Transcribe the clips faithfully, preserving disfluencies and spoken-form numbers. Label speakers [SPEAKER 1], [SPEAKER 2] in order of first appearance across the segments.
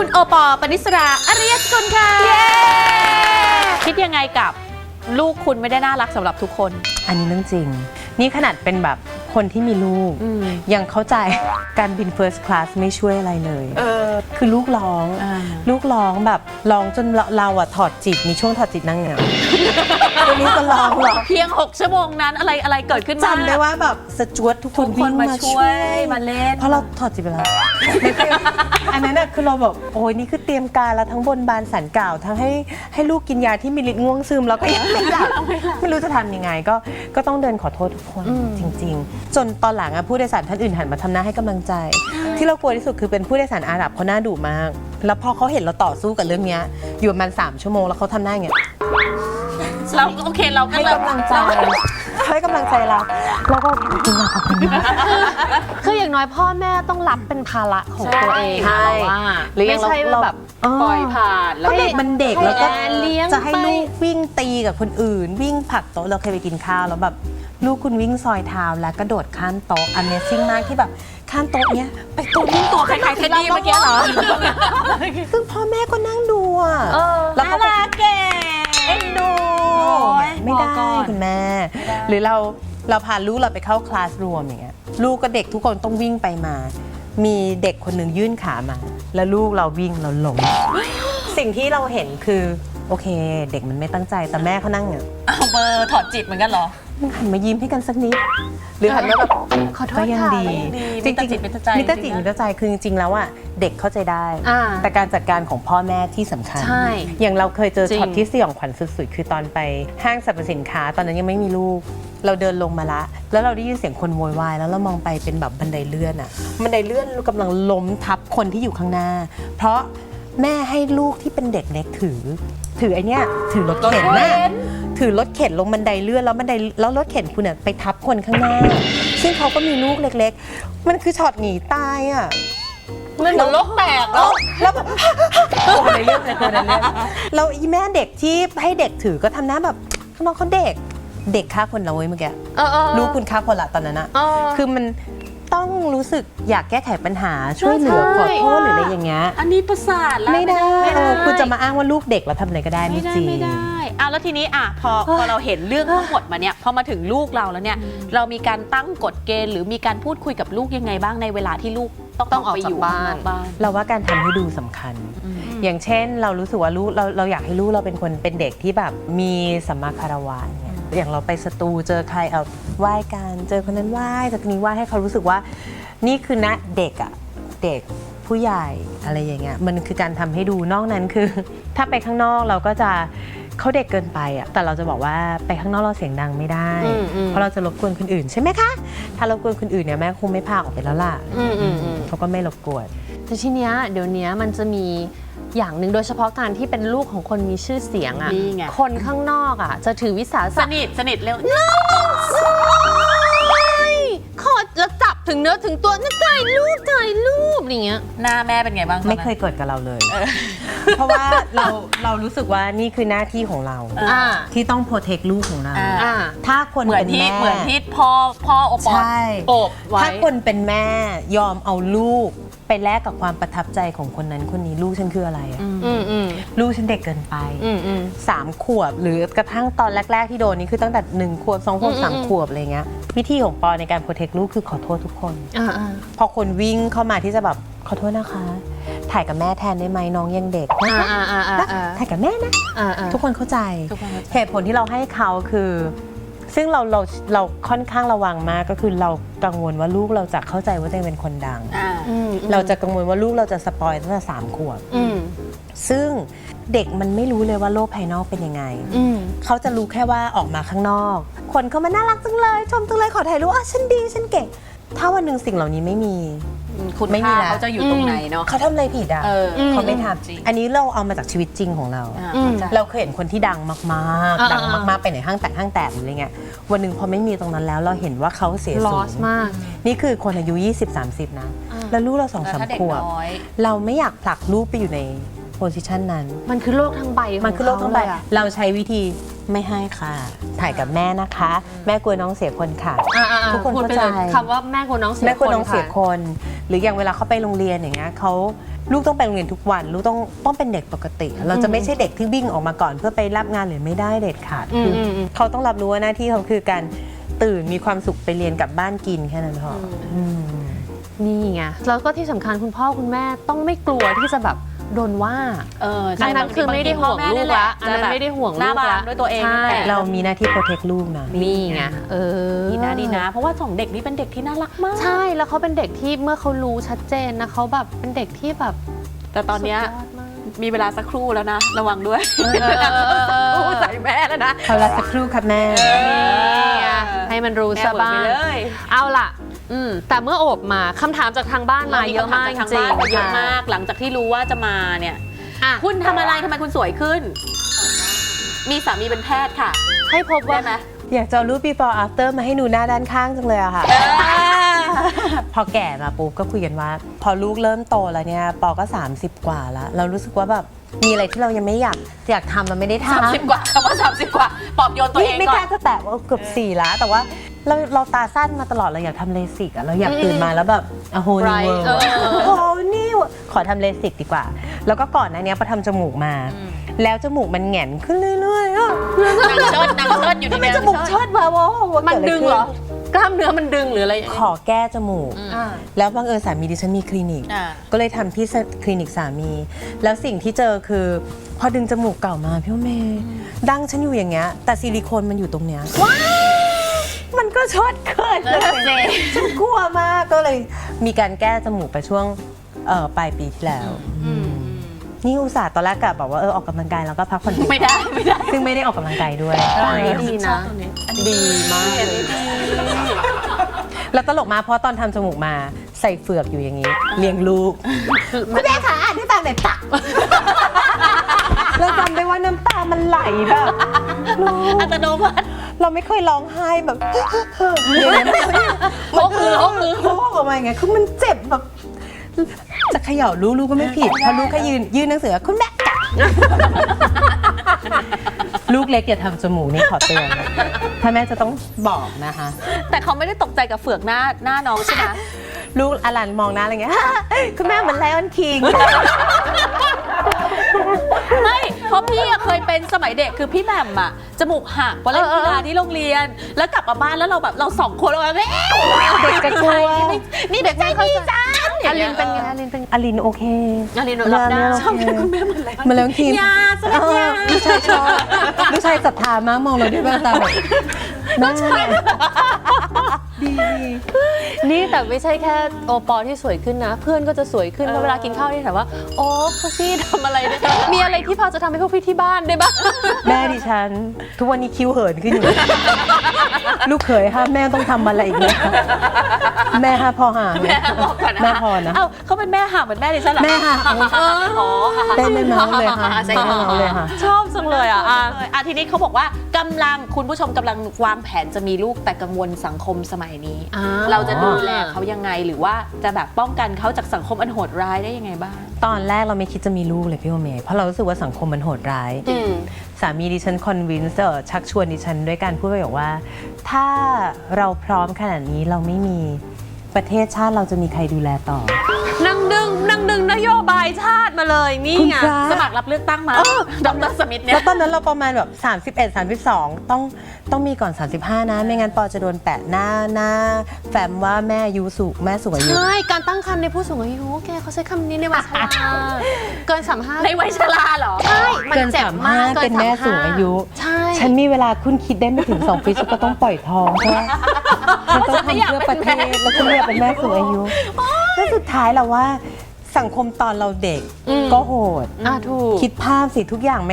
[SPEAKER 1] คุณโอปอล์ ปณิสรา อริยสกุลค่ะคิดยังไงกับลูกคุณไม่ได้น่ารักสำหรับทุกคน
[SPEAKER 2] อันนี้เรื่องจริงนี่ขนาดเป็นแบบคนที่มีลูกยังเข้าใจการบิน first class ไม่ช่วยอะไรเลยเออคือลูกร้องลูกร้องแบบร้องจนเราเราอะถอดจิตมีช่วงถอดจิตนั่งเหงาตัวนี้ก็ร้องหรอ
[SPEAKER 1] เพียงหกชั่วโมงนั้นอะไรอะไรเกิดขึ้น
[SPEAKER 2] จำได้ว่าแบบสจวตทุกคนวิ่งมาช่วย
[SPEAKER 1] มาเล่น
[SPEAKER 2] เพราะเราถอดจิตไปแล้วอันนั้นน่ะคือเราแบบโอ้ยนี่คือเตรียมการแล้วทั้งบนบานสันกล่าวทั้งให้ให้ลูกกินยาที่มีฤทธิ์ง่วงซึมแล้วก็ยังไม่หลับไม่รู้จะทำยังไงก็ก็ต้องเดินขอโทษทุกคนจริงๆจนตอนหลังอะผู้โดยสารท่านอื่นหันมาทำหน้าให้กำลังใจที่เรากลัวที่สุดคือเป็นผู้โดยสารอาหรับเขาหน้าดุมากแล้วพอเขาเห็นเราต่อสู้กับเรื่องนี้อยู่ประมาณสามชั่วโมงแล้วเขาทำหน้าอย่างเงี้ย
[SPEAKER 1] เราโอเคเรา
[SPEAKER 2] ให้กำลังใจให้กำลังใจเราแล้วก็ขอบคุณขอบคุณ
[SPEAKER 3] คืออย่างน้อยพ่อแม่ต้องรับเป็นภาระของตัวเองว่าไม่ใช่แบบ
[SPEAKER 1] ปล่อยผ่าน
[SPEAKER 2] แล้วเด็กมันเด็กแล้วก็จะให้ลูกวิ่งตีกับคนอื่นวิ่งผลักโต๊ะเราเคยไปกินข้าวแล้วแบบลูกคุณวิ่งซอยเท้าแล้วกระโดดข้ามโต๊ะ Amazing มากที่แบบข้ามโต๊ะเนี้ยไปโต๊ะวิ่งตัว
[SPEAKER 1] คล้ายๆเท็ดดี้เมื่อกี้เหรอ
[SPEAKER 2] ซึ่งพ่อแม่ก็นั่งดูอ่ะ
[SPEAKER 1] แล้วเขาก็เก่
[SPEAKER 2] เอ็นดูไม่ได้คุณแม่หรือเราเราพาลูกเราไปเข้าคลาสรวมอย่างเงี้ยลูกกับเด็กทุกคนต้องวิ่งไปมามีเด็กคนหนึ่งยื่นขามาแล้วลูกเราวิ่งเราล้มสิ่งที่เราเห็นคือโอเคเด็กมันไม่ตั้งใจแต่แม่เขานั่งเนี่ย
[SPEAKER 1] เอาเบอร์ถอดจิตเหมือนกันเหรอ
[SPEAKER 2] หันมายิ้มให้กันสักนิดหรือหันมาแบบ
[SPEAKER 3] ขอโทษ
[SPEAKER 2] ก็ยังดี
[SPEAKER 1] จริงๆจิตเป็นใจ
[SPEAKER 2] มิตรจิตมิตรใจคือจริงๆแล้วอ่ะเด็กเข้าใจได้แต่การจัดการของพ่อแม่ที่สำคัญอย่างเราเคยเจอช็อตที่สยองขวัญสุดๆคือตอนไปห้างสรรพสินค้าตอนนั้นยังไม่มีลูกเราเดินลงมาละแล้วเราได้ยินเสียงคนโวยวายแล้วเรามองไปเป็นแบบบันไดเลื่อนอ่ะบันไดเลื่อนกำลังล้มทับคนที่อยู่ข้างหน้าเพราะแม่ให้ลูกที่เป็นเด็กเล็กถือถือไอเนี้ยถือรถเข็นน่ะถือรถเข็นลงบันไดเลื่อนแล้วบันไดแล้วรถเข็นคุณเนี่ยไปทับคนข้างหน้าซึ่งเขาก็มีลูกเล็กๆมันคือช็อตหนีตายอ่ะ
[SPEAKER 1] มันเหมือนโลกแตกแล้ว
[SPEAKER 2] แล้วแบบบันไดเลื่อนเลยคนนั้นเนี่ยเราอีแม่เด็กที่ให้เด็กถือก็ทำหน้าแบบน้องเขาเด็กเด็กฆ่าคนเราเว้ยเมื่อกี้ลูกคุณฆ่าคนละตอนนั้นอะคือมันต้องรู้สึกอยากแก้ไขปัญหาช่วยเหลือขอโทษหรืออะไรอย่างเงี้ย
[SPEAKER 1] อันนี้ประสาทแล้ว
[SPEAKER 2] ไม่ได้คุณจะมาอ้างว่าลูกเด็กเราทำอะไรก็ได้ไม่จริง
[SPEAKER 1] ไม่ได้อ่ะแล้วทีนี้อ่ะพอพอเราเห็นเรื่องทั้งหมดมาเนี่ยพอมาถึงลูกเราแล้วเนี่ยเรามีการตั้งกฎเกณฑ์หรือมีการพูดคุยกับลูกยังไงบ้างในเวลาที่ลูกต้อง
[SPEAKER 3] ต้องออก
[SPEAKER 1] ไปอยู่
[SPEAKER 3] บ้าน
[SPEAKER 2] เราว่าการทำให้ดูสำคัญอย่างเช่นเรารู้สึกว่าลูกเราเราอยากให้ลูกเราเป็นคนเป็นเด็กที่แบบมีสัมมาคารวะเนี่ยอย่างเราไปสตูเจอใครเอาไหว้กันเจอคนนั้นไหว้จากนี้ไหว้ให้เขารู้สึกว่านี่คือณเด็กอะเด็กผู้ใหญ่อะไรอย่างเงี้ยมันคือการทำให้ดูนอกนั้นคือถ้าไปข้างนอกเราก็จะเขาเด็กเกินไปอะแต่เราจะบอกว่าไปข้างนอกเราเสียงดังไม่ได้เพราะเราจะรบกวนคนอื่นใช่ไหมคะถ้ารบกวนคนอื่นเนี่ยแม่คงไม่พาออกไปแล้วล่ะเขาก็ไม่รบกวน
[SPEAKER 3] แต่ทีเนี้ยเดี๋ยวนี้มันจะมีอย่างหนึ่งโดยเฉพาะการที่เป็นลูกของคนมีชื่อเสียงอ่ะคนข้างนอกอ่ะจะถือวิสาสะ
[SPEAKER 1] สนิทสนิทเร็ว
[SPEAKER 3] ขอแล้วจับถึงเนื้อถึงตัวนี่ถ่ายรูปถ่ายรูปอย่างเงี้ย
[SPEAKER 1] หน้าแม่เป็นไงบ้าง
[SPEAKER 2] ไม่เคยเกิดกับเราเลยเพราะว่าเราเรารู้สึกว่านี่คือหน้าที่ของเราที่ต้องโปรเทคลูกของเราถ้าคนเป็นแม่
[SPEAKER 1] เหมือนที่พ่อพ่อโอปอล์โอบไว้
[SPEAKER 2] ถ้าคนเป็นแม่ยอมเอาลูกไปแลกกับความประทับใจของคนนั้นคนนี้ลูกฉันคืออะไรอ่ะลูกฉันเด็กเกินไปสามขวบหรือกระทั่งตอนแรกๆที่โดนนี่คือตั้งแต่หนึ่งขวบสองขวบสามขวบอะไรเงี้ยวิธีของปอในการโปรเทคลูกคือขอโทษทุกคนพอคนวิ่งเข้ามาที่จะแบบขอโทษนะคะถ่ายกับแม่แทนได้ไหมน้องยังเด็กนะคะถ่ายกับแม่นะทุกคนเข้าใจเหตุผลที่เราให้เขาคือซึ่งเราเราเราค่อนข้างระวังมากก็คือเรากังวลว่าลูกเราจะเข้าใจว่าตัวเองเป็นคนดังเราจะกังวลว่าลูกเราจะสปอยตั้งแต่สามขวบซึ่งเด็กมันไม่รู้เลยว่าโลกภายนอกเป็นยังไงเขาจะรู้แค่ว่าออกมาข้างนอกคนเขามาน่ารักจังเลยชมจังเลยขอถ่ายรูปอ่ะฉันดีฉันเก่งถ้าวันหนึ่งสิ่งเหล่านี้ไม่มี
[SPEAKER 1] คุณไม่มีแล้วเขาจะอยู่ตรงไหนเนาะ
[SPEAKER 2] เขาทำอะไรผิดอ่ะเขาไม่ทำอันนี้เราเอามาจากชีวิตจริงของเราเราเคยเห็นคนที่ดังมากๆดังมากๆไปไหนห้างแตกห้างแตกอะไรเงี้ยวันหนึ่งพอไม่มีตรงนั้นแล้วเราเห็นว่าเขาเสียสูงนี่คือคนอายุ ยี่สิบ สามสิบ นะแล้วลูกเราสองสามขวบเราไม่อยากผลักลูกไปอยู่ในโพสิชันนั้น
[SPEAKER 3] มันคือโลกทั้งใบของ
[SPEAKER 2] มันคือโลกทั้งใบ
[SPEAKER 3] เขาเยอะ
[SPEAKER 2] เราใช้วิธีไม่ให้ค่ะถ่ายกับแม่นะคะ แม่กลัวน้องเสียคนค่ะ
[SPEAKER 3] อ่าๆๆ
[SPEAKER 2] ทุกคน
[SPEAKER 3] พูด
[SPEAKER 2] เข้า
[SPEAKER 3] ไป
[SPEAKER 2] ใจ
[SPEAKER 3] เลยคำว่าแม่กลัวน้องเสีย
[SPEAKER 2] แม่กลัวน้องเสีย
[SPEAKER 3] ค่ะ
[SPEAKER 2] คน หรืออย่างเวลาเขาไปโรงเรียนอย่างเงี้ยเขาลูกต้องไปโรงเรียนทุกวันลูกต้องต้องเป็นเด็กปกติ เราจะไม่ใช่เด็กที่วิ่งออกมาก่อนเพื่อไปรับงานหรือไม่ได้เด็ดขาด
[SPEAKER 3] อืม
[SPEAKER 2] คือ
[SPEAKER 3] อืมอืม
[SPEAKER 2] เขาต้องรับรู้ว่าหน้าที่เขาคือการตื่นมีความสุขไปเรียนกลับบ้านกินแค่นั้นพออืม
[SPEAKER 3] นี่ไงแล้วก็ที่สำคัญคุณพ่อคุณแม่ต้องไม่กลัวที่จะแบบโดนว่า
[SPEAKER 1] เออ
[SPEAKER 3] อันนั้นคือไม่ได้ห่วงลูกละอันนั้นไม่ได้ห่วง
[SPEAKER 1] หน้า
[SPEAKER 3] ลูก
[SPEAKER 1] บา
[SPEAKER 3] ละ
[SPEAKER 1] งด้วยตัวเอง
[SPEAKER 3] ใช่
[SPEAKER 1] นั่นแหละ
[SPEAKER 2] เรามีหน้าที่โปรเทคลูกนะ
[SPEAKER 3] นี่ไงเออ
[SPEAKER 1] ดีนะดีนะ เพราะว่าสองเด็กนี่เป็นเด็กที่น่ารักมาก
[SPEAKER 3] ใช่แล้วเขาเป็นเด็กที่เมื่อเขารู้ชัดเจนนะเขาแบบเป็นเด็กที่แบบ
[SPEAKER 1] แต่ตอนเนี้ย
[SPEAKER 3] สุดยอดมาก
[SPEAKER 1] มีเวลาสักครู่แล้วนะ ระวังด้วย
[SPEAKER 3] เออเออเออ
[SPEAKER 1] ครู่ใส่แม่แล้วนะ
[SPEAKER 2] เขาละสักครู่ครับแม่
[SPEAKER 3] นี่ไงให้มันรู้
[SPEAKER 1] แม่
[SPEAKER 3] ซะ
[SPEAKER 1] เบิก
[SPEAKER 3] บ้า
[SPEAKER 1] ไป
[SPEAKER 3] ง
[SPEAKER 1] เลย
[SPEAKER 3] เอาล่ะอืมแต่เมื่อโอบมาคำถามจากทางบ้านมาเยอะมากจ
[SPEAKER 1] ทาง
[SPEAKER 3] ริ
[SPEAKER 1] บ้าง นมาเยอะ
[SPEAKER 3] ค่ะ
[SPEAKER 1] มาก หลังจากที่รู้ว่าจะมาเนี่ย
[SPEAKER 3] อ่ะ
[SPEAKER 1] คุณทำอะไรทำไมคุณสวยขึ้น มีสามีเป็นแพทย์ค่ะ
[SPEAKER 3] ให้พบว่า
[SPEAKER 1] ได้ไหม
[SPEAKER 2] อยากจะเอารูป before after มาให้ดูหน้าด้านข้างจังเลยอะค่ะ พอแก่มาปุ๊บก็คุยกันว่า พอลูกเริ่มโตแล้วเนี่ยปอก็ สามสิบ กว่าแล้ว เรารู้สึกว่าแบบมีอะไรที่เรายังไม่อยากอยากทำมันไม่ได้ทำ
[SPEAKER 1] สามสิบกว่าคำว่าสามสิบกว่า ปลอบโยนตัวเอง
[SPEAKER 2] ไม่
[SPEAKER 1] ก่
[SPEAKER 2] ก
[SPEAKER 1] อ
[SPEAKER 2] ล้าน จะแตะว่าเกือบสี่แล้ว แต่ว่าเราเราตาสั้นมาตลอดเราอยากทำเลสิกอะเราอยากตื่นมาแล้วแบบโอ้โหนิว
[SPEAKER 3] Bright
[SPEAKER 2] เวิร์
[SPEAKER 3] เออ
[SPEAKER 2] โอ้โหนี่ขอทำเลสิกดีกว่า แล้วก็ก่อนหน้านี้พอทำจมูกมา แล้วจมูกมันแหง่นขึ้นเรื่อยๆอะ
[SPEAKER 1] นางเชิดนางเชิดอยู่ใน
[SPEAKER 2] ทำไม
[SPEAKER 1] นี้
[SPEAKER 2] จมูกเชิดวะวะว่า
[SPEAKER 3] มัน
[SPEAKER 2] กิะไ
[SPEAKER 3] ดึงเหรอ กล้ามเนื้อมันดึงหรืออะไร
[SPEAKER 2] ขอแก้จมูก
[SPEAKER 3] อ่า
[SPEAKER 2] แล้วบังเอิญสามีดิฉันมีคลินิก
[SPEAKER 1] อ่า
[SPEAKER 2] ก็เลยทำที่คลินิกสามี แล้วสิ่งที่เจอคือ พอดึงจมูกเก่ามาพี่ว่าเมย์ดั้งฉันอยู่อย่างเงี้ยแต่ซิลิโคนมันอยู่ตรงเนี้ยมันก็ชดเกินเลยฉันกลัวมากก็เลยมีการแก้จมูกไปช่วงเอ่อปลายปีที่แล้วนี่อุตส่าห์ตอนแรกกะบอกว่าเออออกกำลังกายแล้วก็พักผ่อน
[SPEAKER 1] ไม่ได้ไม่ได้
[SPEAKER 2] ซึ่งไม่ได้ออกกำลังกายด้วย
[SPEAKER 3] เออดีนะ ดีมากเลย
[SPEAKER 2] แล้วตลกมากเพราะตอนทำจมูกมาใส่เฟือกอยู่อย่างนี้ เลี้ยงลูกคุณแม่ขาอ่านให้ฟังหน่อยตักเราจำได้ว่าน้ำตามันไหลแบบลูก
[SPEAKER 1] อัตโนมัติ
[SPEAKER 2] เราไม่เคยร้องไห้แบบอย่างนั้น
[SPEAKER 1] โคกมือโคกมือ
[SPEAKER 2] โคกออกมาอย่างเงี้ยคือมันเจ็บแบบจะเขย่าลูกลูกก็ไม่ผิดเพราะลูกแค่ยืนยืนหนังสือคุณแม่กัดลูกเล็กอย่าทำจมูกนี่ขอเตือนนะถ้าแม่จะต้องบอกนะคะ
[SPEAKER 1] แต่เขาไม่ได้ตกใจกับเฟือกหน้าหน้าน้องใช่ไหม
[SPEAKER 2] ลูกอลันมองหน้าอะไรเงี้ย คุณแม่เหมือนไลออนคิง
[SPEAKER 1] ไม่เพราะพี่อะเคยเป็นสมัยเด็กคือพี่แหม่มอะจมูกหักเพราะเล่นกีฬาที่โรงเรียน แล้วกลับมาบ้านแล้วเราแบบเราสองคนเราแบบ
[SPEAKER 2] เด็กกระชัว
[SPEAKER 1] นี่เด็กไม่พี่จ้า
[SPEAKER 3] อลินเป็นไงอลินเป็นไง
[SPEAKER 2] อลินโอเค
[SPEAKER 1] อลินรับได้
[SPEAKER 2] ชอบคุณแม่เหมือนไรเหมือนไลออนคิง
[SPEAKER 1] ยาสมัยยา
[SPEAKER 2] ลูกชายชอบลูกชายศรัทธามากมองเราด้วยแววตาแบบแม่ดี
[SPEAKER 3] นี่แต่ไม่ใช่แค่โอปอที่สวยขึ้นนะ เพื่อนก็จะสวยขึ้นเพราะเวลากินข้าวที่ถามว่าโอ้พวกพี่ทำอะไรเนี่ยมีอะไรที่พอจะทำให้พวกพี่ที่บ้านได้บ้าง
[SPEAKER 2] แม่ดิฉัน ทุกวันนี้คิ้วเหินขึ้นอยู่ ลูกเขยห้ามแม่ต้องทำอะไรอีกไหมแม่ห้าพอห่าง
[SPEAKER 1] แม่บอกก่อนนะ
[SPEAKER 2] แม่พอนะ
[SPEAKER 1] เอ้าเขาเป็นแม่ห่างเหมือนแม่ดิฉันเหรอ
[SPEAKER 2] แม่ห่าง
[SPEAKER 1] อ๋อ
[SPEAKER 2] ได้ไม่เมาเลยค่ะ
[SPEAKER 1] ใช่
[SPEAKER 2] ได้ไม่เมาเลยค่ะ
[SPEAKER 3] ชอบจังเลยอ่ะอ่ะ
[SPEAKER 1] อ่ะทีนี้เขาบอกว่ากำลังคุณผู้ชมกำลังวางแผนจะมีลูกแต่กังวลสังคมสมัยนี้
[SPEAKER 3] อ่า
[SPEAKER 1] เราจะดูแลเขายังไงหรือว่าจะแบบป้องกันเขาจากสังคมอันโหดร้ายได้ยังไงบ้าง
[SPEAKER 2] ตอนแรกเราไม่คิดจะมีลูกเลยพี่โอเมย์เพราะเรารู้สึกว่าสังคมมันโหดร้าย
[SPEAKER 1] อืม
[SPEAKER 2] สามีดิฉันคอนวินส์ชักชวนดิฉันด้วยการพูดไปบอกว่า ถ้าเราพร้อมขนาดนี้เราไม่มีประเทศชาติเราจะมีใครดูแลต่อ
[SPEAKER 3] นั่งดึงนั่งดึงนโยบายชาติมาเลยนี่ไง
[SPEAKER 2] คุณพระ
[SPEAKER 1] สมัครรับเลือกตั้งมาดรสมิธเนี่
[SPEAKER 2] แล้
[SPEAKER 1] ยว
[SPEAKER 2] ตอนนั้นเราประมาณแบบสามสิบเอ็ด สามสิบสองต้องต้องมีก่อน สามสิบห้า นะ ไม่งั้นปอจะโดนแปะหน้าหน้าแฟมว่าแม่อายุสูงแม่สูงอายุ
[SPEAKER 3] ใช่การตั้งครรภ์ในผู้สูงอายุแกเขาใช้คำนี้ในวัยชราเกินสามห้า
[SPEAKER 1] ในวัยชราเหรอ
[SPEAKER 3] ใช่มัน
[SPEAKER 2] เกิน
[SPEAKER 3] เจ็บ
[SPEAKER 2] สาม
[SPEAKER 3] มา
[SPEAKER 2] ห้าก
[SPEAKER 3] กิ
[SPEAKER 2] เป็นแม่สูงอายุ
[SPEAKER 3] ใช่
[SPEAKER 2] ฉันมีเวลาคุณคิดได้ไม่ถึง สอง ปีฉันก็ต้องปล่อยท้องเพราะว่าฉันต้องทำเพื่อประเทศแล้วฉันไม่อยากเป็นแม่สูงอายุแล้วสุดท้ายเราว่าสังคมตอนเราเด็กก็โหด
[SPEAKER 3] อ่ะถูก
[SPEAKER 2] คิดภาพสิทุกอย่างไม่มีเวลา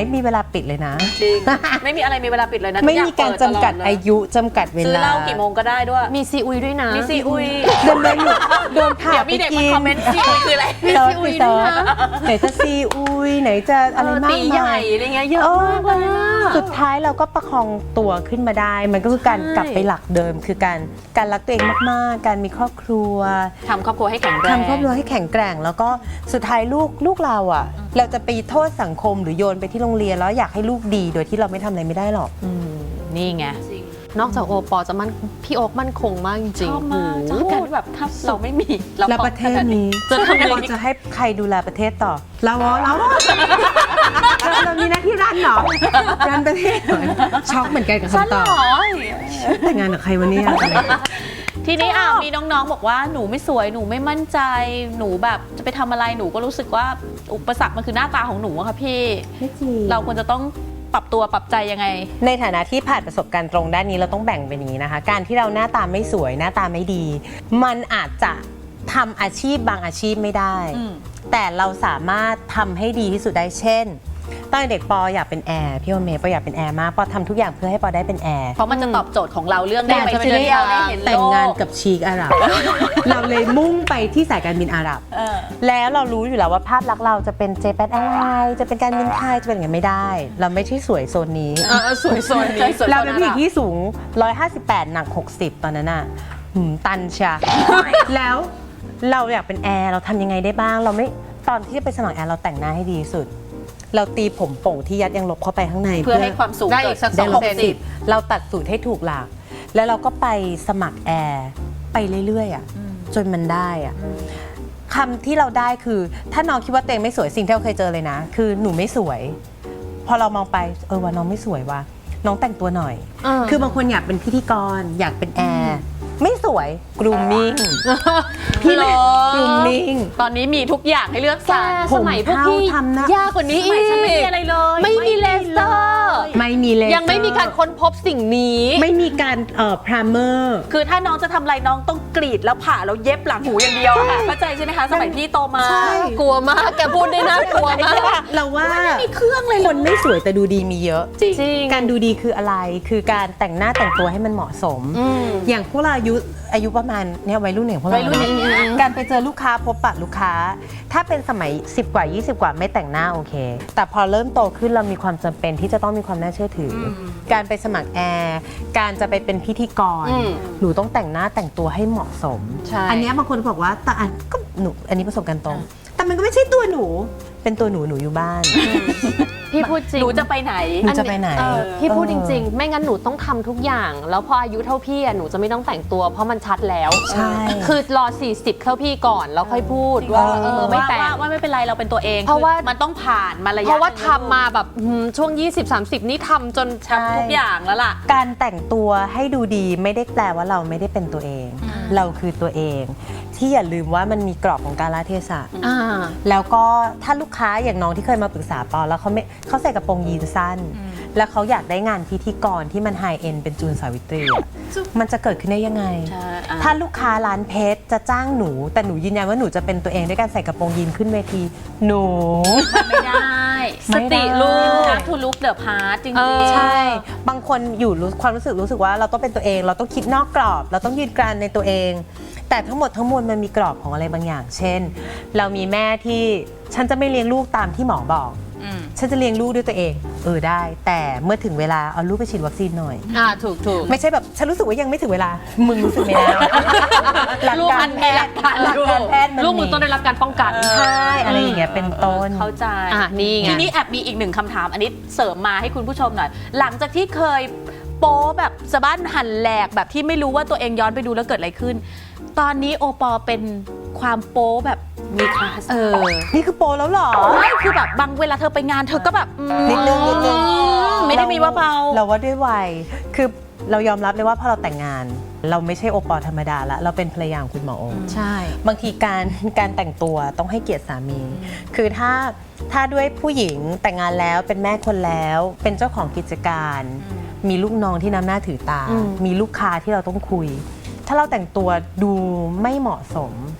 [SPEAKER 2] ปิดเลยนะ
[SPEAKER 1] จริง ไม่มีอะไรมีเวลาปิดเลยนะ
[SPEAKER 2] ไม่
[SPEAKER 1] ทุอย่
[SPEAKER 2] มีการ
[SPEAKER 1] เปิ
[SPEAKER 2] จำกัด
[SPEAKER 1] ตลเลย
[SPEAKER 2] อายุจำกัดเว
[SPEAKER 1] ซื้อ
[SPEAKER 2] ลา
[SPEAKER 1] เหล้ากี่โมงก็ได้ด้วย
[SPEAKER 3] มีซีอุยด้วยนะ
[SPEAKER 1] มีซีอุย
[SPEAKER 2] เดินเดินอยู่โดนผ่า
[SPEAKER 1] เดี๋ยว
[SPEAKER 2] ไป
[SPEAKER 1] มีเด็ก
[SPEAKER 2] กิ
[SPEAKER 1] มาน คอมเมนต์ซีอุยคืออะไร
[SPEAKER 2] เซิร์ชไปเซิร์ชไหนจะซีอุยไหนจะอะไรมาก
[SPEAKER 1] ตีให
[SPEAKER 2] มา
[SPEAKER 1] ญ่
[SPEAKER 2] ย
[SPEAKER 1] อะไรเงี้ยเยอะมากเลยอะ
[SPEAKER 2] สุดท้ายเราก็ประคองตัวขึ้นมาได้ มันก็คือการ
[SPEAKER 3] ใช่
[SPEAKER 2] กลับไปหลักเดิม คือการการรักตัวเองมากๆ การมีครอบครัว
[SPEAKER 1] ทำครอบครัวให้แข็งแรง
[SPEAKER 2] ทำครอบครัวให้แข็งแกร่ง แล้วก็สุดท้ายลูกลูกเราอ่ะ เราจะไปโทษสังคมหรือโยนไปที่โรงเรียนแล้วอยากให้ลูกดีโดยที่เราไม่ทำอะไรไม่ได้หรอก
[SPEAKER 1] นี่ไง
[SPEAKER 3] นอกจากโอปอจะมั่นพี่โอ๊คมั่นคงมากจริง
[SPEAKER 1] ชอบมากช
[SPEAKER 3] โอ้
[SPEAKER 1] อบ
[SPEAKER 3] โห
[SPEAKER 1] การที่แบบถ้าเราไม่มีเรา
[SPEAKER 2] แล้วประเทศนี้
[SPEAKER 1] จะทำยังไง
[SPEAKER 2] เราจะให้ใครดูแลประเทศต่อ เราเหรอเราเหรอเรามีหน้าที่รันเหรอรันประเทศเหรอช็อกเหมือนกันกับ
[SPEAKER 1] สั้น
[SPEAKER 2] คำต
[SPEAKER 1] เหร
[SPEAKER 2] อบ
[SPEAKER 1] อ
[SPEAKER 2] แต่งงานกับใครวันนี้
[SPEAKER 1] ทีนี้อ่ะมีน้องๆบอกว่าหนูไม่สวยหนูไม่มั่นใจหนูแบบจะไปทำอะไรหนูก็รู้สึกว่าอุปสรรคมันคือหน้าตาของหนูอะค่ะพี่
[SPEAKER 2] ไม่จริง
[SPEAKER 1] เราควรจะต้องปรับตัวปรับใจยังไง
[SPEAKER 2] ในฐานะที่ผ่านประสบการณ์ตรงด้านนี้เราต้องแบ่งเป็นอย่างนี้นะคะ การที่เราหน้าตาไม่สวยหน้าตาไม่ดี มันอาจจะทำอาชีพบางอาชีพไม่ได้
[SPEAKER 1] อืม
[SPEAKER 2] แต่เราสามารถทำให้ดีที่สุดได้เช่นตอนเด็กปออยากเป็นแอร์พี่โอเมย์ปออยากเป็นแอร์มากปอทำทุกอย่างเพื่อให้ปอได้เป็นแอร์
[SPEAKER 1] เพราะมันจะตอบโจทย์ของเราเรื่องได้
[SPEAKER 2] แต่
[SPEAKER 1] ไป
[SPEAKER 2] จะได้
[SPEAKER 1] เที่ยวได้เห็นโลก
[SPEAKER 2] แต่งงานกับชีกอาหรับ เราเลยมุ่งไปที่สายการบินอาหรับ
[SPEAKER 1] เออ แล้ว
[SPEAKER 2] แล้วเรารู้อยู่แล้วว่าภาพลักษณ์เราจะเป็นเจแปนแอร์ไลน์จะเป็นการบินไทยจะเป็นอย่างนั้นไม่ได้ เราไม่ใช่สวยโซนนี้
[SPEAKER 3] เออสวยโซนนี้
[SPEAKER 2] เราเป็นผู้หญิงที่สูง หนึ่งร้อยห้าสิบแปด หนัก หกสิบ ตอนนั้นน่ะหืมตันชะ แล้วเราอยากเป็นแอร์เราทำยังไงได้บ้าง เราไม่ตอนที่จะไปสมัครแอร์เราแต่งหน้าให้ดีที่สุด เราตีผมโป่งที่ยัดยังลบเข้าไปข้างใน
[SPEAKER 1] เพื่อให้ความสูง
[SPEAKER 3] ได้อีกสัก
[SPEAKER 1] เด
[SPEAKER 2] ได้
[SPEAKER 3] ส
[SPEAKER 2] ล
[SPEAKER 3] อง
[SPEAKER 2] บ
[SPEAKER 3] เซน
[SPEAKER 2] สิบเราตัดสูตรให้ถูกหลัก แล้วเราก็ไปสมัครแอร์ไปเรื่อยๆอ่ะจนมันได้อ่ะคำที่เราได้คือถ้าน้องคิดว่าตัวเองไม่สวยสิ่งที่เราเคยเจอเลยนะ คือหนูไม่สวย พอเรามองไปเออว่าน้องไม่สวยว่ะน้องแต่งตัวหน่อย
[SPEAKER 3] เออ
[SPEAKER 2] คือบางคนอยากเป็นพิธีกร อยากเป็นแอร์ไม่สวยกรูมมิ่ง พี่
[SPEAKER 1] เหรอ
[SPEAKER 2] กรูมมิ่ง
[SPEAKER 1] ตอนนี้มีทุกอย่างให้เลือก
[SPEAKER 3] แก
[SPEAKER 1] สรร
[SPEAKER 3] สมัยพวกพี่
[SPEAKER 2] ผมเท่าทำหน้าย
[SPEAKER 3] ยากกว่านี้
[SPEAKER 1] ส
[SPEAKER 3] อี
[SPEAKER 1] มัย
[SPEAKER 3] ก
[SPEAKER 1] ฉันไม่มีอะไรเลย
[SPEAKER 3] ไม่มีเลเซอร์
[SPEAKER 2] ไม่มีเลย
[SPEAKER 3] ยังไม่มีการค้นพบสิ่งนี้
[SPEAKER 2] ไม่มีการเอ่อพรามเมอร์
[SPEAKER 1] คือถ้าน้องจะทำอะไรน้องต้องกรีดแล้วผ่าแล้วเย็บหลังหูอย่างเดียวอะค่ะเข้าใจใช่ไหมคะสมัยพี่โตมา
[SPEAKER 3] กลัวมากแกพูดได้น่ากลัวมาก
[SPEAKER 2] เราว่า
[SPEAKER 1] ไม่มีเครื่องเลย
[SPEAKER 2] คนไม่สวยแต่ดูดีมีเยอะ
[SPEAKER 1] จริง
[SPEAKER 3] จริง
[SPEAKER 2] การดูดีคืออะไร คือการแต่งหน้าแต่งตัวให้มันเหมาะสม
[SPEAKER 3] อืม
[SPEAKER 2] อย่างพวกเราอายุอายุประมาณเนี่ยวัยรุ่นอย่างพวกเรา
[SPEAKER 1] วัยรุ่นอย่างเงี้ย
[SPEAKER 2] การไปเจอลูกค้าพบปะลูกค้า ถ้าเป็นสมัยสิบกว่ายี่สิบกว่าไม่แต่งหน้าโอเค แต่พอเริ่มโตขึ้นเรามีความจำเป็นที่จะต้องมีความน่าเชื่อถืออการไปสมัครแอร์การจะไปเป็นพิธีกร
[SPEAKER 3] อืม
[SPEAKER 2] หนูต้องแต่งหน้าแต่งตัวให้เหมาะสม
[SPEAKER 3] ใช่
[SPEAKER 2] อันเนี้ยบางคนบอกว่าแต่อันก็หนูอันนี้ประสบการณ์ตรง แต่มันก็ไม่ใช่ตัวหนู เป็นตัวหนูหนูอยู่บ้าน
[SPEAKER 3] พี่พูดจริง
[SPEAKER 1] หนูจะไปไหน
[SPEAKER 2] หนูจะไปไหน
[SPEAKER 3] เออพี่พูด
[SPEAKER 2] เออ
[SPEAKER 3] จริง ๆ ไม่งั้นหนูต้องทำทุกอย่าง แล้วพออายุเท่าพี่อ่ะหนูจะไม่ต้องแต่งตัว เพราะมันชัดแล้ว
[SPEAKER 2] ใช่
[SPEAKER 3] คือรอ สี่สิบเข้าพี่ก่อนแล้วค่อยพูดว่าเออไม่
[SPEAKER 1] ว่า
[SPEAKER 3] แต่ง
[SPEAKER 1] ว่าว่าไม่เป็นไรเราเป็นตัวเอง
[SPEAKER 3] เพราะว่า
[SPEAKER 1] คือมันต้องผ่านมาระยะ
[SPEAKER 3] เพราะว่า
[SPEAKER 1] หนึ่ง
[SPEAKER 3] ทำมาแบบหืมช่วง ยี่สิบ สามสิบ นี่ทำจน
[SPEAKER 2] ใช่
[SPEAKER 1] ทุกอย่างแล้วล่ะ
[SPEAKER 2] การแต่งตัวให้ดูดีไม่ได้แปลว่าเราไม่ได้เป็นตัวเอง เราคือตัวเอง ที่อย่าลืมว่ามันมีกรอบของกาลเทศะ
[SPEAKER 3] อ่า
[SPEAKER 2] แล้วก็ถ้าลูกค้าอย่างน้องที่เคยมาปรึกษาปอแล้วเขาไม่เขาใส่กระโปรงยีนสั้น แล้วเขาอยากได้งานพิธีกรที่มันไฮเอ็นเป็นจูนสาวิตรีอะมันจะเกิดขึ้นได้ยังไง
[SPEAKER 1] ใช่อ่ะ
[SPEAKER 2] ถ้าลูกค้าร้านเพชรจะจ้างหนู แต่หนูยืนยันว่าหนูจะเป็นตัวเองด้วยการใส่กระโปรงยีนขึ้นเวที หนู
[SPEAKER 1] ไม่ได้
[SPEAKER 2] ไม่
[SPEAKER 1] ส
[SPEAKER 2] ได้
[SPEAKER 1] ติลูกนะทูลุกเดอะพาร์จริง
[SPEAKER 3] เออ
[SPEAKER 1] ๆ
[SPEAKER 2] ใช่ บางคนอยู่รู้ความรู้สึกรู้สึกว่าเราต้องเป็นตัวเอง เราต้องคิดนอกกรอบ เราต้องยืนกรานในตัวเอง แต่ทั้งหมดทั้งมวลมันมีกรอบของอะไรบางอย่าง เช่น เรามีแม่ที่ฉันจะไม่เลี้ยงลูกตามที่หมอบอก
[SPEAKER 1] อืม
[SPEAKER 2] ฉันจะเลี้ยงลูกด้วยตัวเอง เออได้ แต่เมื่อถึงเวลาเอาลูกไปฉีดวัคซีนหน่อย
[SPEAKER 3] อ่าถูกถูก
[SPEAKER 2] ไม่ใช่แบบฉันรู้สึกว่ายังไม่ถึงเวลา มึงรู้สึกไม่ได้ หลัก
[SPEAKER 3] ลูก
[SPEAKER 2] กา
[SPEAKER 3] อั
[SPEAKER 2] ร
[SPEAKER 3] น
[SPEAKER 2] แพ
[SPEAKER 3] แพ
[SPEAKER 2] ท
[SPEAKER 3] ท
[SPEAKER 2] ย์
[SPEAKER 3] ย์
[SPEAKER 2] หลักการแพทย์มัน
[SPEAKER 3] ลูกมือต้องได้รับการป้องกัน
[SPEAKER 2] ใช่อะไรอย่างเงี้ยเป็นต้น
[SPEAKER 1] เข้าใจ
[SPEAKER 3] อ่ะนี่ไง
[SPEAKER 1] ทีนี้แอบมีอีกหนึ่งคำถาม อันนี้เสริมมาให้คุณผู้ชมหน่อย หลังจากที่เคยโป๊แบบสะบั้นหันแหลกแบบที่ไม่รู้ว่าตัวเองย้อนไปดูแล้วเกิดอะไรขึ้น ตอนนี้โอปอเป็นความโป๊แบบมีคลาส
[SPEAKER 3] เออ
[SPEAKER 2] นี่คือโปรแล้วเหรอ
[SPEAKER 1] ไม่คือแบบบางเวลาเธอไปงานเธอก็แบบอืม
[SPEAKER 2] นิดนึงนิดนึง
[SPEAKER 1] ไม่ได้มีว่าเบา
[SPEAKER 2] เราว่าด้วยวัยคือเรายอมรับเลยว่าพอเราแต่งงาน เราไม่ใช่โอปอธรรมดาละเราเป็นภรรยาของคุณหมอโอ
[SPEAKER 3] ใช่
[SPEAKER 2] บางทีการการแต่งตัวต้องให้เกียรติสามี คือถ้าถ้าด้วยผู้หญิงแต่งงานแล้วเป็นแม่คนแล้วเป็นเจ้าของกิจการ มีลูกน้องที่น้ำหน้าถือตา
[SPEAKER 3] อืม
[SPEAKER 2] มีลูกค้าที่เราต้องคุย ถ้าเราแต่งตัวดูไม่เหมาะสม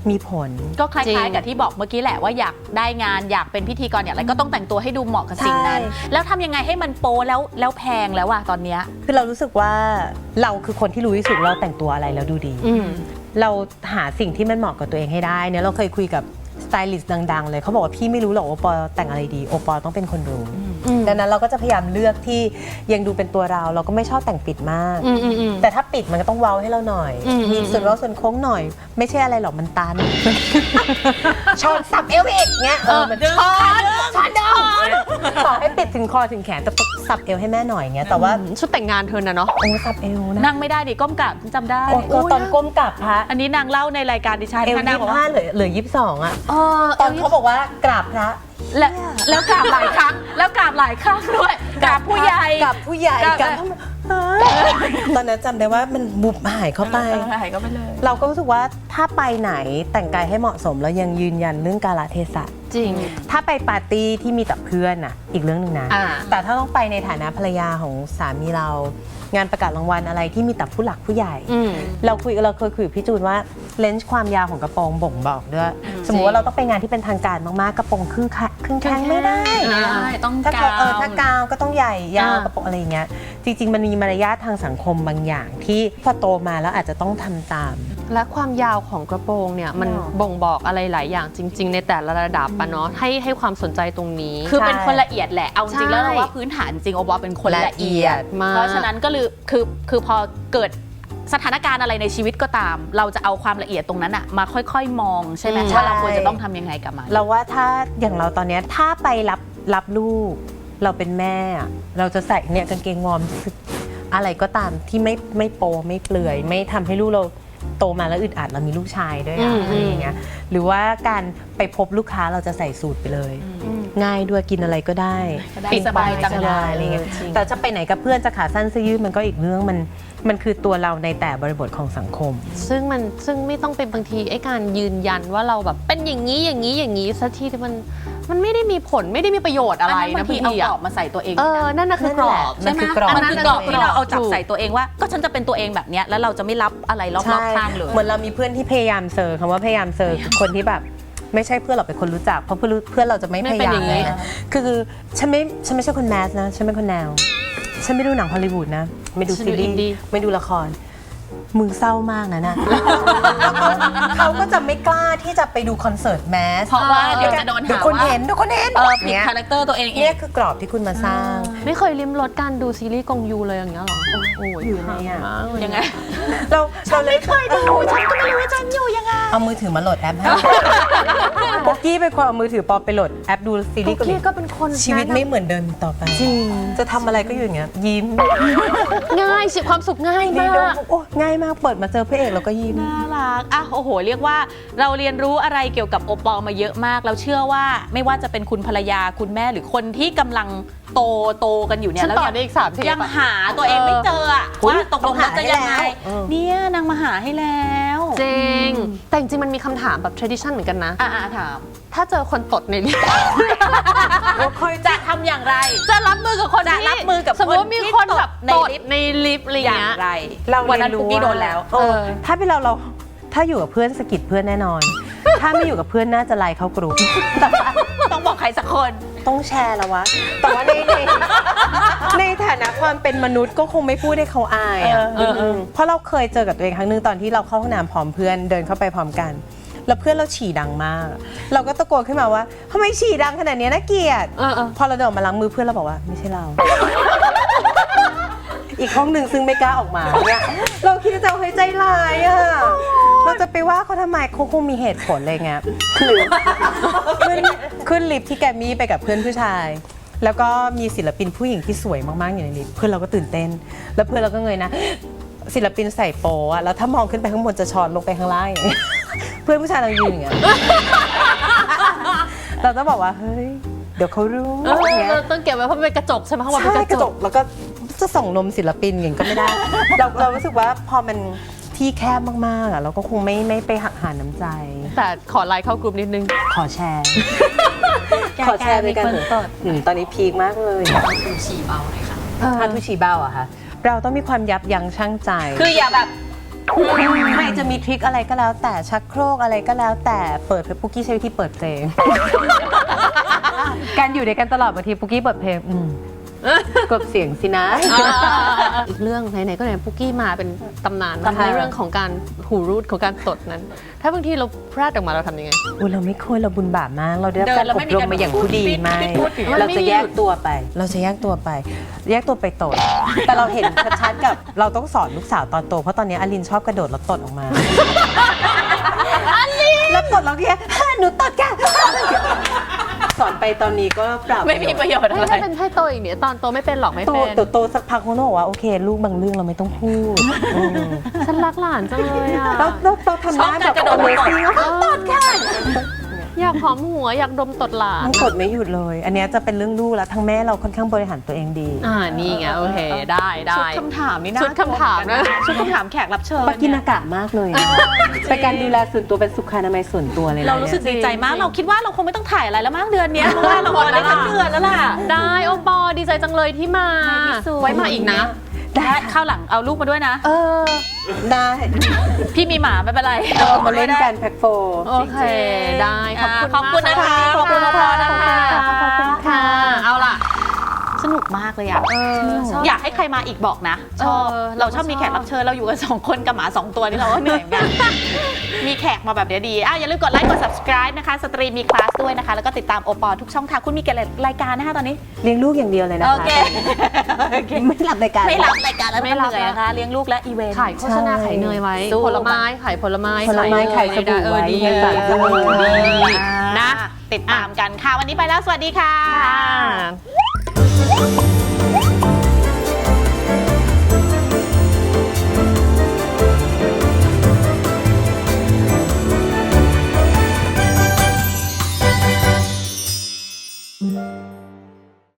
[SPEAKER 2] มีผล
[SPEAKER 1] ก็ค
[SPEAKER 3] จริ
[SPEAKER 1] ล้าย
[SPEAKER 3] ง
[SPEAKER 1] ๆกับที่บอกเมื่อกี้แหละว่าอยากได้งานอยากเป็นพิธีกรอย่างไรก็ต้องแต่งตัวให้ดูเหมาะกับสิ่งนั้น
[SPEAKER 2] ใช่
[SPEAKER 1] แล้วทำยังไงให้มันโป๊แล้วแล้วแพงแล้วอะตอนเนี้ย
[SPEAKER 2] คือเรารู้สึกว่าเราคือคนที่รู้ที่สุดเราแต่งตัวอะไรแล้วดูดี
[SPEAKER 3] อืม
[SPEAKER 2] เราหาสิ่งที่มันเหมาะกับตัวเองให้ได้เนี่ยเราเคยคุยกับสไตลิสต์ดังๆเลยเขาบอกว่าพี่ไม่รู้หรอกโอปอแต่งอะไรดีโอปอต้องเป็นคนรู้
[SPEAKER 3] อืม
[SPEAKER 2] ดังนั้นเราก็จะพยายามเลือกที่ยังดูเป็นตัวเราเราก็ไม่ชอบแต่งปิดมาก
[SPEAKER 3] อืมอืมอืม
[SPEAKER 2] แต่ถ้าปิดมันก็ต้องเว้าให้เราหน่อย
[SPEAKER 3] อืม
[SPEAKER 2] มีส่วนเว้าส่วนโค้งหน่อย ไม่ใช่อะไรหรอกมันตัน ช้อนสับเอวอีกเงี้ยเออมันช้อนช้อนเดินต่อให้ปิดถึงคอถึงแขนแต่สับเอวให้แม่หน่อยเงี้ยแต่ว่า
[SPEAKER 3] ชุดแต่งงานเธอน่ะเนาะ
[SPEAKER 2] โอ้สับเอวนะ
[SPEAKER 1] นั่งไม่ได้ดิก้มกราบจำได้
[SPEAKER 2] โอ้ก็ตอนก้มกลับพระ
[SPEAKER 1] อันนี้นางเล่าในรายการดิฉัน
[SPEAKER 2] เอว
[SPEAKER 1] ค่ะนา
[SPEAKER 2] ยี่
[SPEAKER 1] งบอก
[SPEAKER 2] ห้า
[SPEAKER 1] ว่า
[SPEAKER 2] เหลือเหลือยี่สิบสองอะ
[SPEAKER 3] เออ
[SPEAKER 2] ตอนเขาบอกว่ากราบพระ
[SPEAKER 1] แล้วแล้วกราบหลายครั้ง แล้วกราบหลายครั้งด้วยกราบผู้ใหญ่
[SPEAKER 2] กราบผู้ใหญ่
[SPEAKER 1] กราบ
[SPEAKER 2] กราบตอนนั้นจำได้ว่ามันบุบหายเข้าไป
[SPEAKER 1] หายก็ไปเลย
[SPEAKER 2] เราก็รู้สึกว่าถ้าไปไหนแต่งกายให้เหมาะสมแล้วยังยืนยันเรื่องกาลเทศะ
[SPEAKER 3] จริง
[SPEAKER 2] ถ้าไปปาร์ตี้ที่มีแต่เพื่อนน่ะอีกเรื่องหนึ่งนะ
[SPEAKER 3] อ่า
[SPEAKER 2] แต่ถ้าต้องไปในฐานะภรรยาของสามีเรา งานประกาศรางวัลอะไรที่มีแต่ผู้หลักผู้ใหญ่
[SPEAKER 3] อืม
[SPEAKER 2] เราคุยเราเคยคุยกับพี่จูนว่าเลนส์ความยาวของกระโปรงบ่งบอกด้วยสมมติว่าเราต้องไปงานที่เป็นทางการมากๆกระโปรงครึ่งแขครึ่งแข้งไม่ได้
[SPEAKER 1] ไม่ได้ต้อง
[SPEAKER 2] ถ้าก
[SPEAKER 1] าว
[SPEAKER 2] เออถ้ากาวก็ต้องใหญ่ยาว
[SPEAKER 3] อ่าก
[SPEAKER 2] ระโปรงอะไรอย่างเงี้ยจริง ๆ มันมีมารยาททางสังคมบางอย่างที่พอโตมาแล้วอาจจะต้องทำตาม
[SPEAKER 3] และความยาวของกระโปรงเนี่ยมัน
[SPEAKER 2] อ๋อ
[SPEAKER 3] บ่งบอกอะไรหลายอย่างจริง ๆ ในแต่ละระดับปะเนาะให้ให้ความสนใจตรงนี้
[SPEAKER 1] คือเป็นคนละเอียดแหละเอาจริงๆแล้ว
[SPEAKER 3] ใช่
[SPEAKER 1] เราว่าพื้นฐานจริงโอปอเป็นคนละเอียด
[SPEAKER 3] มาก
[SPEAKER 1] เพราะฉะนั้นก็คือคือคือพอเกิดสถานการณ์อะไรในชีวิตก็ตาม เราจะเอาความละเอียดตรงนั้นอะมาค่อยๆมองใช่ไหม
[SPEAKER 3] อืม
[SPEAKER 1] ว่าเราควรจะต้องทำยังไงกับมัน
[SPEAKER 2] เราว่าถ้าอย่างเราตอนเนี้ยถ้าไปรับรับลูก เราเป็นแม่อะเราจะใส่เนี่ยกางเกงวอร์มอะไรก็ตามที่ไม่ไม่โปไม่เปลือย ไม่ทำให้ลูกเราโตมาแล้วอึดอัดเรามีลูกชายด้วยอะ
[SPEAKER 3] อืม
[SPEAKER 2] อะไรอย่างเงี้ยหรือว่าการไปพบลูกค้าเราจะใส่สูตรไปเลย
[SPEAKER 3] อืม
[SPEAKER 2] ง่ายด้วยกินอะไรก็ได้
[SPEAKER 1] ก็ได้
[SPEAKER 2] ปิด
[SPEAKER 1] สบายจัง
[SPEAKER 2] ก็ได้อะไรเงี้ย
[SPEAKER 3] จริง
[SPEAKER 2] แต่จะไปไหนกับเพื่อนจะขาสั้นเสื้อยืดมันก็อีกเรื่องมันมันคือตัวเราในแต่บริบทของสังคม
[SPEAKER 3] ซึ่งมันซึ่งไม่ต้องเป็นบางทีไอ้การยืนยันว่าเราแบบเป็นอย่างนี้อย่างนี้อย่างนี้สักทีมันมันไม่ได้มีผลไม่ได้มีประโยชน์อะไร
[SPEAKER 1] อันนั้นบา
[SPEAKER 3] นะ
[SPEAKER 1] งที
[SPEAKER 3] พี่
[SPEAKER 1] เอากร
[SPEAKER 3] อะ
[SPEAKER 1] อบมาใส่ตัวเอง
[SPEAKER 3] เออนั่นน่ะคือกรอบ
[SPEAKER 2] นั่
[SPEAKER 1] ใช่
[SPEAKER 2] น
[SPEAKER 1] ไหม
[SPEAKER 2] คือกรอบ
[SPEAKER 1] มันคือกรอบที่เราเอาจับ
[SPEAKER 3] ถูก
[SPEAKER 1] ใส่ตัวเองว่า ก็ฉันจะเป็นตัวเองแบบเนี้ยแล้วเราจะไม่รับอะไรรอบๆข้างเลย
[SPEAKER 2] เหมือนเรามีเพื่อนที่พยายามเซอร์คำว่าพยายามเซอร์คือคนที่แบบไม่ใช่เพื่อนเราเป็นคนรู้จักเพราะเพื่อนรู้เพื่อนเราจะไม่
[SPEAKER 3] ไม่
[SPEAKER 2] พ
[SPEAKER 3] เป็น
[SPEAKER 2] ยายา
[SPEAKER 3] อ
[SPEAKER 2] ม
[SPEAKER 3] ย่างนี้
[SPEAKER 2] นะคือฉันไม่ฉันไม่ใช่คนแมสนะฉันเป็นคนแนว ฉันไม่ดูหนังฮอลลีวูดนะ ไม่ดู
[SPEAKER 3] ฉัน
[SPEAKER 2] ซี
[SPEAKER 3] ดู
[SPEAKER 2] รี
[SPEAKER 3] อินดี้
[SPEAKER 2] ส์ไม่ดูละครมึงเศร้ามากนะน่ะ เขาก็จะไม่กล้าที่จะไปดูคอนเสิร์ตแมส
[SPEAKER 1] เพราะว่าเดี๋ยวจะโดนหา
[SPEAKER 2] เดี๋ยวคน
[SPEAKER 1] ว่า
[SPEAKER 2] เห็นเดี๋ยวคนเห็น
[SPEAKER 1] เออผิด
[SPEAKER 2] เนี่ย
[SPEAKER 1] คาแรคเตอร์ตัวเองเอ
[SPEAKER 2] เนี่ย
[SPEAKER 1] ง
[SPEAKER 2] คือกรอบที่คุณมาสร้าง
[SPEAKER 3] ไม่เคยลิ้มรสการดูซีรีส์กงยูเลยอย่างเงี้ยหรอโอ้โห
[SPEAKER 2] อยู่ไงอะ
[SPEAKER 3] มากเล
[SPEAKER 1] ยังไง
[SPEAKER 2] เราเราเลยเคยดู
[SPEAKER 1] ฉันก็ไม่รู้ว่าฉันอยู่ยังไง
[SPEAKER 2] เอามือถือมาโหลดแอปให้โบกี้เป็นคนเอามือถือปอไปโหลดแอปดูซีรีส์เกาหลี
[SPEAKER 3] พี่ก็เป็นคน
[SPEAKER 2] ชีวิตไม่เหมือนเดิมต่อไป
[SPEAKER 3] จริง
[SPEAKER 2] จะทำอะไรก็อยู่อย่างเงี้ยยิ้ม
[SPEAKER 3] ง่ายสิความสุขง่าย
[SPEAKER 2] ดี
[SPEAKER 3] มา
[SPEAKER 2] ดู
[SPEAKER 3] ก
[SPEAKER 2] โอ้ง่ายมากเปิดมาเจอพระเอกแล้วก็ยิ้ม
[SPEAKER 1] น่ารักอ่ะโอ้โห เรียกว่าเราเรียนรู้อะไรเกี่ยวกับโอปอลมาเยอะมาก เราเชื่อว่าไม่ว่าจะเป็นคุณภรรยาคุณแม่หรือคนที่กำลังโตโตกันอยู่เนี่ย
[SPEAKER 3] ฉัน
[SPEAKER 1] แล้ว
[SPEAKER 3] ต่อ
[SPEAKER 1] ยัง
[SPEAKER 3] ได้อีกสามเทป
[SPEAKER 1] ยัง
[SPEAKER 3] อะ
[SPEAKER 1] หาตัวเองไม่เจออะ
[SPEAKER 2] อุ๊ย
[SPEAKER 1] ว่าตกลงแล้วจะยังไง
[SPEAKER 2] ต้องหาให้แล้วเออ
[SPEAKER 1] เนี่ยนางมาหาให้แล้ว
[SPEAKER 3] จริง แต่จริงๆมันมีคำถามแบบ tradition เหมือนกันนะ
[SPEAKER 1] อ่ะอ่ะถาม
[SPEAKER 3] ถ้าเจอคนตดในลิฟต์
[SPEAKER 1] จะทำอย่างไร
[SPEAKER 3] จะรับมือกับคน
[SPEAKER 1] จะ
[SPEAKER 3] ที่
[SPEAKER 1] รับมือกับ
[SPEAKER 3] สมมติว่ามีคนแบบ
[SPEAKER 1] ใน
[SPEAKER 3] ตด
[SPEAKER 1] ลิฟต์
[SPEAKER 3] ในลิฟต์อะไร
[SPEAKER 1] อ
[SPEAKER 3] เงี้
[SPEAKER 1] ย่าง
[SPEAKER 3] ย
[SPEAKER 1] ไร
[SPEAKER 2] เรา
[SPEAKER 1] วันนั้น
[SPEAKER 2] เรีย
[SPEAKER 1] คุกกี้
[SPEAKER 2] า
[SPEAKER 1] โดนแล้ว
[SPEAKER 2] เออถ้าเป็นเราเราถ้าอยู่กับเพื่อนสะกิดเพื่อนแน่นอน ถ้าไม่อยู่กับเพื่อนน่าจะไล่เข้ากรุ๊ป
[SPEAKER 1] ต้องบอกใครสักคน
[SPEAKER 2] ต้องแชร์แล้ววะ แต่ว่าในในในฐานะความเป็นมนุษย์ก็คงไม่พูดให้เขาอายอะ
[SPEAKER 1] เออเออ
[SPEAKER 2] มเพราะเราเคยเจอกับตัวเองครั้งหนึงตอนที่เราเข้าห้องน้ำพร้อมเพื่อนเดินเข้าไปพร้อมกัน แล้วเพื่อนเราฉี่ดังมาก เราก็ตะโกนขึ้นมาว่าทำไมฉี่ดังขนาดนี้น่าเกลียด
[SPEAKER 3] เออเออ
[SPEAKER 2] พอเราเดินออกมาล้างมือเพื่อนเราบอกว่าไม่ใช่เรา อีกห้องหนึ่งซึ่งไม่กล้าออกมาเนี่ยเราคิดในใจว่าเฮ้ยใจร้ายอ่ะเราจะไปว่าเขาทำไมเขาคงมีเหตุผลอะไรเงี้ยคือขึ้นขึ้นลิฟต์ที่แกรมมี่ไปกับเพื่อนผู้ชาย แล้วก็มีศิลปินผู้หญิงที่สวยมากๆอยู่ในลิฟต์เพื่อนเราก็ตื่นเต้น แล้วเพื่อนเราก็เงยนะ ศิลปินใส่โปอะแล้วถ้ามองขึ้นไปข้างบนจะช้อนลงไปข้างล่างอย่างเงี้ยเพื่อนผู้ชายเรายืนอย่างเงี้ยเราต้องบอกว่าเฮ้ยเดี๋ยวเขารู้
[SPEAKER 3] เออ
[SPEAKER 2] อย่างเงี้ย
[SPEAKER 3] เราต้องเก็บไว้เพราะมันเป็นกระจกใช่ไหมข้างบนเป็น
[SPEAKER 2] ใช่
[SPEAKER 3] ก
[SPEAKER 2] ก
[SPEAKER 3] ระ
[SPEAKER 2] ระ
[SPEAKER 3] จ
[SPEAKER 2] จ
[SPEAKER 3] ก
[SPEAKER 2] กแล้วก็จะส่องนมศิลปินอย่างนี้ก็ไม่ได้ เราเรารู้สึกว่าพอมันที่แคบมากๆอ่ะเราก็คงไม่ไม่ไปหักหาน้ำใจ
[SPEAKER 3] แต่ขอไลน์เข้ากลุ่มนิดนึง
[SPEAKER 2] ขอแชร์ ขอแชร์ไปกันเถอะอืมตอนนี้พีคมากเลยถ้าทุชีเบ้าอะค่ะ เราต้องมีความยับยั้งชั่งใจ
[SPEAKER 1] คืออย่าแบบ
[SPEAKER 2] ใครจะมีทริคอะไรก็แล้วแต่ชักโครกอะไรก็แล้วแต่เปิดเพลงปุกกี้ใช้วิธีเปิดเพลง การอยู่ด้วยกันตลอดบางทีปุกกี้เปิดเพลงอืมกดเสียงสินะ
[SPEAKER 3] อีกเรื่องไหนๆก็ไหนปุกกี้มาเป็นตำนาน
[SPEAKER 2] ตำนาน
[SPEAKER 3] ในเรื่องของการหูรูดของการตดนั้น ถ้าบางทีเราแพร่ออกมาเราทำยังไง
[SPEAKER 2] อุ้ยเราไม่ควรเราบุญบาปมากเราได้รับ
[SPEAKER 1] เดิ
[SPEAKER 2] การ
[SPEAKER 1] นแล้ว
[SPEAKER 2] อ
[SPEAKER 1] ไม่
[SPEAKER 2] บ
[SPEAKER 1] มี
[SPEAKER 2] รม
[SPEAKER 1] การ
[SPEAKER 2] มาอย่างผู้ดี
[SPEAKER 1] พูด
[SPEAKER 2] ไม่
[SPEAKER 1] ไม่พูดอย่างนั้น
[SPEAKER 2] เราจะแยกตัวไป เราจะแยกตัวไป แยกตัวไปตด แต่เราเห็นชัดๆกับเราต้องสอนลูกสาวตอนโตเพราะตอนนี้อลินชอบกระโดดแล้วตดออกมาอลินแล้วตดแล้วแค่หนูตดแกสอนไปตอนนี้ก็ปรับ
[SPEAKER 1] ไม่มีประโยชน์อะไร
[SPEAKER 3] ถ้าเป็นให้โตอีกเนี่ยตอนโตไม่เป็นหรอกไม่
[SPEAKER 2] โต
[SPEAKER 3] เป็น
[SPEAKER 2] โตโตสักพักเขาบอกว่าโอเค ลูกบางเรื่องเราไม่ต้องพูดอืม
[SPEAKER 3] ฉันรักหลานจังเลยอ่ะ
[SPEAKER 2] เราเราเราทำได้แบบ
[SPEAKER 1] ชอบการกระโดด
[SPEAKER 2] Amazing แล้วก็ตดค่ะ
[SPEAKER 3] อยากหอมหัวอยากดมตดหลาน
[SPEAKER 2] มันตดไม่หยุดเลย อันเนี้ยจะเป็นเรื่องลูกแล้วทั้งแม่เราค่อนข้างบริหารตัวเองดี
[SPEAKER 3] อ่านี่ไงโอเคได้ได้
[SPEAKER 1] ชุดคำถามนี่นะ
[SPEAKER 3] ชุดคำถามนะ
[SPEAKER 1] ชุดคำถามแขกรับเชิญ
[SPEAKER 2] ปากินากะมากเลยนะเป็นการดูแลส่วนตัวเป็นสุขอนามัยส่วนตัวเลยนะ
[SPEAKER 1] เรารู้สึกดีใจมาก เราคิดว่าเราคงไม่ต้องถ่ายอะไรแล้วมั้งเดือนเนี้ยเพราะว่าเราออนได้ทั้งเดือนแล้วล่ะ
[SPEAKER 3] ได้โอปอดีใจจังเลยที่มา
[SPEAKER 1] ในที่สุด
[SPEAKER 3] ไว้มาอีกนะ
[SPEAKER 1] ได้ข้าวหลังเอาลูกมาด้วยนะ
[SPEAKER 3] เออ
[SPEAKER 2] ได้
[SPEAKER 1] พี่มีหมาไม่เป็นไร
[SPEAKER 2] เรามาเล่นกันแพ็คโฟ
[SPEAKER 3] โอเคได้ขอบคุณ
[SPEAKER 1] ขอบคุณ
[SPEAKER 3] มาก
[SPEAKER 1] นะคะขอบคุณพอนะคะ
[SPEAKER 3] ขอบคุณค่ะเอาล่ะ
[SPEAKER 1] สนุกมากเลยอ่ะ
[SPEAKER 3] เออชอบ
[SPEAKER 1] อยากให้ใครมาอีกบอกนะ ชอบ
[SPEAKER 3] เออ
[SPEAKER 1] เราชอบ
[SPEAKER 3] เราก็
[SPEAKER 1] มีแขก
[SPEAKER 3] ชอบ
[SPEAKER 1] รับเชิญเราอยู่กันสองคนกับหมาสองตัวนี่เราก็เหนื่อยเหมือนกัน มีแขกมาแบบเดี๋ยวดีอ่ะอย่าลืมกดไลค์กด subscribe นะคะสตรีมีคลาสด้วยนะคะ แล้วก็ติดตามโอปอทุกช่องทางคุณมีกี่รายการนะคะตอนนี้
[SPEAKER 2] เลี้ยงลูกอย่างเดียวเลยนะคะ
[SPEAKER 1] โอเค
[SPEAKER 2] ไม่รับรายการ
[SPEAKER 1] ไม่รับรายการแล้ว
[SPEAKER 3] ไม่
[SPEAKER 1] ไม่
[SPEAKER 3] รับ
[SPEAKER 1] เหนื่อยนะคะเลี้ยงลูกและอีเวนต์
[SPEAKER 3] ขายโฆษณา
[SPEAKER 2] ใช่
[SPEAKER 3] ขายเนยไว้
[SPEAKER 1] สู้
[SPEAKER 3] ผลไม้ขายผลไม้
[SPEAKER 2] ผลไม้ขายสบู่
[SPEAKER 3] เออ
[SPEAKER 2] ไว้
[SPEAKER 3] ดี
[SPEAKER 2] ให้ฝาก
[SPEAKER 3] เอ
[SPEAKER 2] ด้วย
[SPEAKER 3] อดีนะ
[SPEAKER 1] ติดตามกันค่ะ วันนี้ไปแล้ว สวัสดีค่ะ
[SPEAKER 3] ค่ะ